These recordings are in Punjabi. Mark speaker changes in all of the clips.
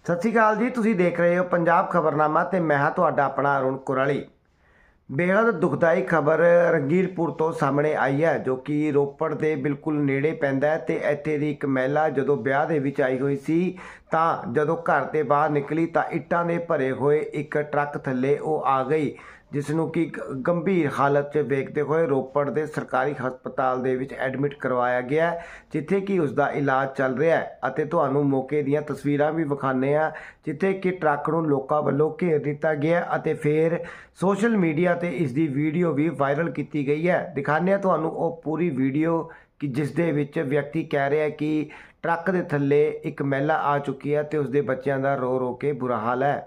Speaker 1: ਸਤਿ ਸ਼੍ਰੀ ਅਕਾਲ ਜੀ। ਤੁਸੀਂ ਦੇਖ ਰਹੇ ਹੋ ਪੰਜਾਬ ਖਬਰਨਾਮਾ ਤੇ ਮੈਂ ਹਾਂ ਤੁਹਾਡਾ ਆਪਣਾ ਅਰੁਣ ਕੁਰਾਲੀ। ਬੇहद ਦੁਖਦਾਈ ਖਬਰ ਰੰਗੀਰਪੁਰ ਤੋਂ ਸਾਹਮਣੇ ਆਈ ਹੈ, ਜੋ ਕਿ ਰੋਪੜ ਦੇ ਬਿਲਕੁਲ ਨੇੜੇ ਪੈਂਦਾ ਹੈ। ਤੇ ਇੱਥੇ ਦੀ ਇੱਕ ਮਹਿਲਾ ਜਦੋਂ ਵਿਆਹ ਦੇ ਵਿੱਚ ਆਈ ਹੋਈ ਸੀ ਤਾਂ ਜਦੋਂ ਘਰ ਦੇ ਬਾਹਰ ਨਿਕਲੀ ਤਾਂ ਇੱਟਾਂ ਦੇ ਭਰੇ ਹੋਏ ਇੱਕ ਟਰੱਕ ਥੱਲੇ ਉਹ ਆ ਗਈ, ਜਿਸ ਨੂੰ ਕਿ ਗੰਭੀਰ ਹਾਲਤ 'ਚ ਵੇਖਦੇ ਹੋਏ ਰੋਪੜ ਦੇ ਸਰਕਾਰੀ ਹਸਪਤਾਲ ਦੇ ਵਿੱਚ ਐਡਮਿਟ ਕਰਵਾਇਆ ਗਿਆ, ਜਿੱਥੇ ਕਿ ਉਸ ਦਾ ਇਲਾਜ ਚੱਲ ਰਿਹਾ ਹੈ। ਅਤੇ ਤੁਹਾਨੂੰ ਮੌਕੇ ਦੀਆਂ ਤਸਵੀਰਾਂ ਵੀ ਵਿਖਾਉਂਦੇ ਹਾਂ, ਜਿੱਥੇ ਕਿ ਟਰੱਕ ਨੂੰ ਲੋਕਾਂ ਵੱਲੋਂ ਘੇਰ ਦਿੱਤਾ ਗਿਆ ਅਤੇ ਫਿਰ ਸੋਸ਼ਲ ਮੀਡੀਆ ਤੇ ਇਸ ਦੀ ਵੀਡੀਓ ਵੀ ਵਾਇਰਲ ਕੀਤੀ ਗਈ ਹੈ। ਦਿਖਾਉਂਦੇ ਹਾਂ ਤੁਹਾਨੂੰ ਉਹ ਪੂਰੀ ਵੀਡੀਓ ਕਿ ਜਿਸ ਦੇ ਵਿੱਚ ਵਿਅਕਤੀ ਕਹਿ ਰਿਹਾ ਕਿ ਟਰੱਕ ਦੇ ਥੱਲੇ ਇੱਕ ਮਹਿਲਾ ਆ ਚੁੱਕੀ ਹੈ ਤੇ ਉਸਦੇ ਬੱਚਿਆਂ ਦਾ ਰੋ ਰੋ ਕੇ ਬੁਰਾ ਹਾਲ ਹੈ।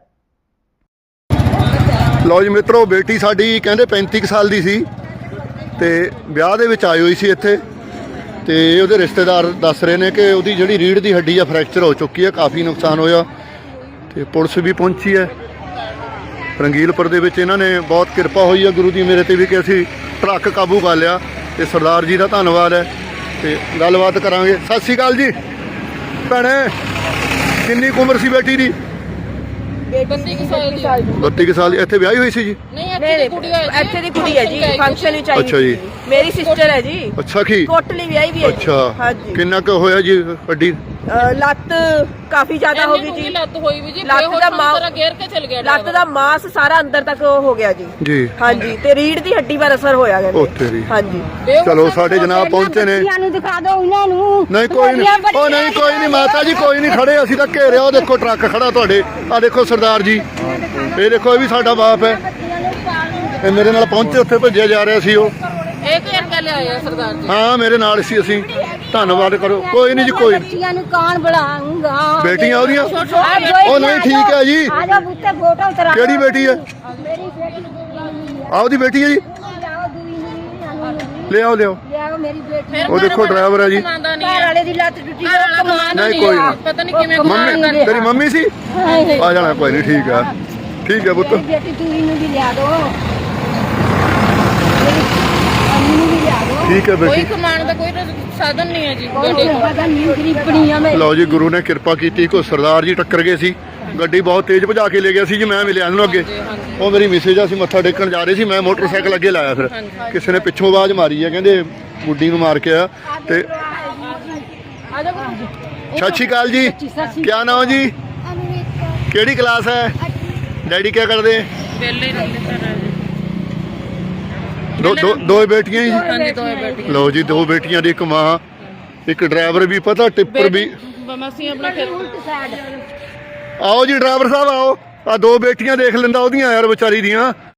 Speaker 2: ਲਓ ਜੀ ਮਿੱਤਰੋ, ਬੇਟੀ ਸਾਡੀ ਕਹਿੰਦੇ 35 ਸਾਲ ਦੀ ਸੀ ਤੇ ਵਿਆਹ ਦੇ ਵਿੱਚ ਆਈ ਹੋਈ ਸੀ ਇੱਥੇ, ਤੇ ਉਹਦੇ ਰਿਸ਼ਤੇਦਾਰ ਦੱਸ ਰਹੇ ਨੇ ਕਿ ਉਹਦੀ ਜਿਹੜੀ ਰੀੜ੍ਹ ਦੀ ਹੱਡੀ ਆ ਫ੍ਰੈਕਚਰ ਹੋ ਚੁੱਕੀ ਹੈ, ਕਾਫੀ ਨੁਕਸਾਨ ਹੋਇਆ ਤੇ ਪੁਲਿਸ ਵੀ ਪਹੁੰਚੀ ਹੈ। ਰੰਗੀਲਪੁਰ ਦੇ ਵਿੱਚ ਇਹਨਾਂ ਨੇ ਬਹੁਤ ਕਿਰਪਾ ਹੋਈ ਹੈ ਗੁਰੂ ਦੀ ਮੇਰੇ ਤੇ ਵੀ ਕਿ ਅਸੀਂ ਟਰੱਕ ਕਾਬੂ ਕਰ ਲਿਆ, ਤੇ ਸਰਦਾਰ ਜੀ ਦਾ ਧੰਨਵਾਦ ਹੈ। ਤੇ ਗੱਲਬਾਤ ਕਰਾਂਗੇ। ਸਤਿ ਸ਼੍ਰੀ ਅਕਾਲ ਜੀ ਭੈਣੇ, ਕਿੰਨੀ ਕੁ ਉਮਰ ਸੀ ਬੇਟੀ ਦੀ? 32 ਸਾਲ। ਇੱਥੇ ਵਿਆਹੀ ਹੋਈ ਸੀ ਜੀ?
Speaker 3: ਨਹੀਂ, ਇੱਥੇ ਦੀ ਕੁੜੀ ਹੈ ਜੀ, ਫੰਕਸ਼ਨ ਵਿੱਚ ਆਈ।
Speaker 2: ਅੱਛਾ ਜੀ,
Speaker 3: ਮੇਰੀ ਸਿਸਟਰ ਹੈ ਜੀ।
Speaker 2: ਅੱਛਾ, ਕੀ
Speaker 3: ਕੋਟਲੀ ਵਿਆਹੀ ਵੀ ਹੈ।
Speaker 2: ਅੱਛਾ,
Speaker 3: ਹਾਂਜੀ।
Speaker 2: ਕਿੰਨਾ ਕੁ ਹੋਇਆ ਜੀ ਹੱਡੀ?
Speaker 3: ਲੱਤ ਕਾਫੀ ਜ਼ਿਆਦਾ ਹੋ ਗਈ ਜੀ।
Speaker 4: ਲੱਤ ਹੋਈ ਵੀ ਜੀ,
Speaker 3: ਲੱਤ ਦਾ ਮਾਸ
Speaker 4: ਗੇਰ ਕੇ ਚਲ ਗਿਆ।
Speaker 3: ਲੱਤ ਦਾ ਮਾਸ ਸਾਰਾ ਅੰਦਰ ਤੱਕ ਹੋ ਗਿਆ ਜੀ।
Speaker 2: ਜੀ
Speaker 3: ਹਾਂਜੀ, ਤੇ ਰੀੜ ਦੀ ਹੱਡੀ ਪਰ ਅਸਰ ਹੋਇਆ
Speaker 2: ਉਹ
Speaker 3: ਕਹਿੰਦੇ।
Speaker 2: ਤੇਰੀ।
Speaker 3: ਹਾਂਜੀ।
Speaker 2: ਚਲੋ ਸਾਡੇ ਜਨਾਬ ਪਹੁੰਚੇ ਨੇ।
Speaker 5: ਨੂੰ ਦਿਖਾ ਦਿਓ ਉਹਨਾਂ ਨੂੰ।
Speaker 2: ਨਹੀਂ ਕੋਈ ਨਹੀਂ, ਉਹ ਨਹੀਂ ਕੋਈ ਨਹੀਂ ਮਾਤਾ ਜੀ, ਕੋਈ ਨਹੀਂ, ਖੜੇ ਅਸੀਂ ਤਾਂ ਘੇਰਿਆ। ਉਹ ਦੇਖੋ ਟਰੱਕ ਖੜਾ ਤੁਹਾਡੇ, ਆ ਦੇਖੋ ਸਰਦਾਰ ਜੀ, ਇਹ ਦੇਖੋ, ਇਹ ਵੀ ਸਾਡਾ ਬਾਪ ਹੈ। ਇਹ ਮੇਰੇ ਨਾਲ ਪਹੁੰਚੇ, ਉੱਥੇ ਭੇਜਿਆ ਜਾ ਰਿਹਾ ਸੀ ਉਹ।
Speaker 4: ਇੱਕ ਘੰਟਾ ਲਿਆਇਆ ਸਰਦਾਰ ਜੀ।
Speaker 2: ਹਾਂ, ਮੇਰੇ ਨਾਲ ਸੀ। ਅਸੀਂ ਧੰਨਵਾਦ ਕਰੋ। ਕੋਈ ਨਹੀਂ ਜੀ, ਕੋਈ ਨਹੀਂ।
Speaker 5: ਬੱਚੀਆਂ ਨੂੰ ਕੌਣ ਬੁਲਾਉਂਗਾ?
Speaker 2: ਬੇਟੀਆਂ ਉਹਦੀਆਂ? ਉਹ ਨਹੀਂ, ਠੀਕ ਹੈ ਜੀ।
Speaker 5: ਆ ਜਾ ਬੁੱਤੇ ਫੋਟੋ ਉਤਰਾ।
Speaker 2: ਕਿਹੜੀ ਬੇਟੀ ਹੈ?
Speaker 5: ਮੇਰੀ ਬੇਟੀ
Speaker 2: ਆਹ ਉਹਦੀ ਬੇਟੀ ਹੈ ਜੀ?
Speaker 5: ਲਿਆਓ ਦੂਈ ਨੂੰ
Speaker 2: ਲਿਆਓ ਲਿਆਓ।
Speaker 5: ਲਿਆਓ ਮੇਰੀ ਬੇਟੀ।
Speaker 2: ਉਹ ਦੇਖੋ ਡਰਾਈਵਰ ਹੈ ਜੀ।
Speaker 5: ਘਰ ਵਾਲੇ ਦੀ ਲੱਤ ਟੁੱਟੀ ਉਹ ਕਮਾਨ
Speaker 2: ਨਹੀਂ ਕੋਈ ਨਹੀਂ,
Speaker 4: ਪਤਾ ਨਹੀਂ ਕਿਵੇਂ
Speaker 2: ਮੰਮੀ ਤੇਰੀ ਮੰਮੀ ਸੀ? ਆ ਜਾਣਾ, ਕੋਈ ਨਹੀਂ, ਠੀਕ ਹੈ, ਠੀਕ ਹੈ ਪੁੱਤ।
Speaker 5: ਮੇਰੀ ਬੇਟੀ ਦੂਈ ਨੂੰ ਵੀ ਲਿਆ ਦੋ। ਅੰਮੀ ਨੂੰ ਵੀ ਲਿਆ ਦੋ।
Speaker 2: ਠੀਕ ਹੈ
Speaker 4: ਕੋਈ
Speaker 2: ਬੇਟੀ।
Speaker 4: ਕਮਾਉਣ ਦਾ ਕੋਈ ਸਾਧਨ ਨਹੀਂ ਹੈ ਜੀ।
Speaker 5: ਪਤਾ ਨਹੀਂ ਗਰੀਬਣੀਆਂ ਮੈਂ।
Speaker 2: ਲਓ ਜੀ, ਗੁਰੂ ਨੇ ਕਿਰਪਾ ਕੀਤੀ। ਕੋਈ ਸਰਦਾਰ ਜੀ ਟੱਕਰ ਗਏ ਸੀ, ਗੱਡੀ ਬਹੁਤ ਤੇਜ਼ ਭਜਾ ਕੇ ਲੈ ਗਿਆ ਸੀ ਜੀ। ਮੈਂ ਮਿਲਿਆ ਉਹਨੂੰ ਅੱਗੇ, ਉਹ ਮੇਰੀ ਮਿਸੇਜ ਆ, ਅਸੀਂ ਮੱਥਾ ਟੇਕਣ ਜਾ ਰਹੇ ਸੀ। ਮੈਂ ਮੋਟਰਸਾਈਕਲ ਅੱਗੇ ਲਾਇਆ, ਫਿਰ ਕਿਸੇ ਨੇ ਪਿੱਛੋਂ ਆਵਾਜ਼ ਮਾਰੀ ਹੈ, ਕਹਿੰਦੇ ਗੁੱਡੀ ਨੂੰ ਮਾਰ ਕੇ ਆ। ਤੇ ਸਤਿ ਸ਼੍ਰੀ ਅਕਾਲ ਜੀ, ਕਿਆ ਨਾਮ ਜੀ? ਕਿਹੜੀ ਕਲਾਸ ਹੈ? ਡੈਡੀ ਕਿਆ ਕਰਦੇ?
Speaker 4: ਪਹਿਲੇ ਹੀ ਰਹਿੰਦੇ ਸਰ ਜੀ।
Speaker 2: ਦੋ ਬੇਟੀਆਂ ਜੀ?
Speaker 4: ਹਾਂਜੀ, ਦੋਵੇਂ ਬੇਟੀਆਂ।
Speaker 2: ਲਓ ਜੀ, ਦੋ ਬੇਟੀਆਂ ਦੀ ਇੱਕ ਮਾਂ, ਇੱਕ ਡਰਾਈਵਰ ਵੀ, ਪਤਾ ਟਿੱਪਰ ਵੀ।
Speaker 4: ਅਸੀਂ ਆਪਣਾ ਖੇਤ
Speaker 2: ਆਓ ਜੀ ਡਰਾਈਵਰ ਸਾਹਿਬ, ਆਓ। ਆ ਦੋ ਬੇਟੀਆਂ ਦੇਖ ਲੈਂਦਾ ਉਹਦੀਆਂ ਯਾਰ ਵਿਚਾਰੀ ਦੀਆਂ।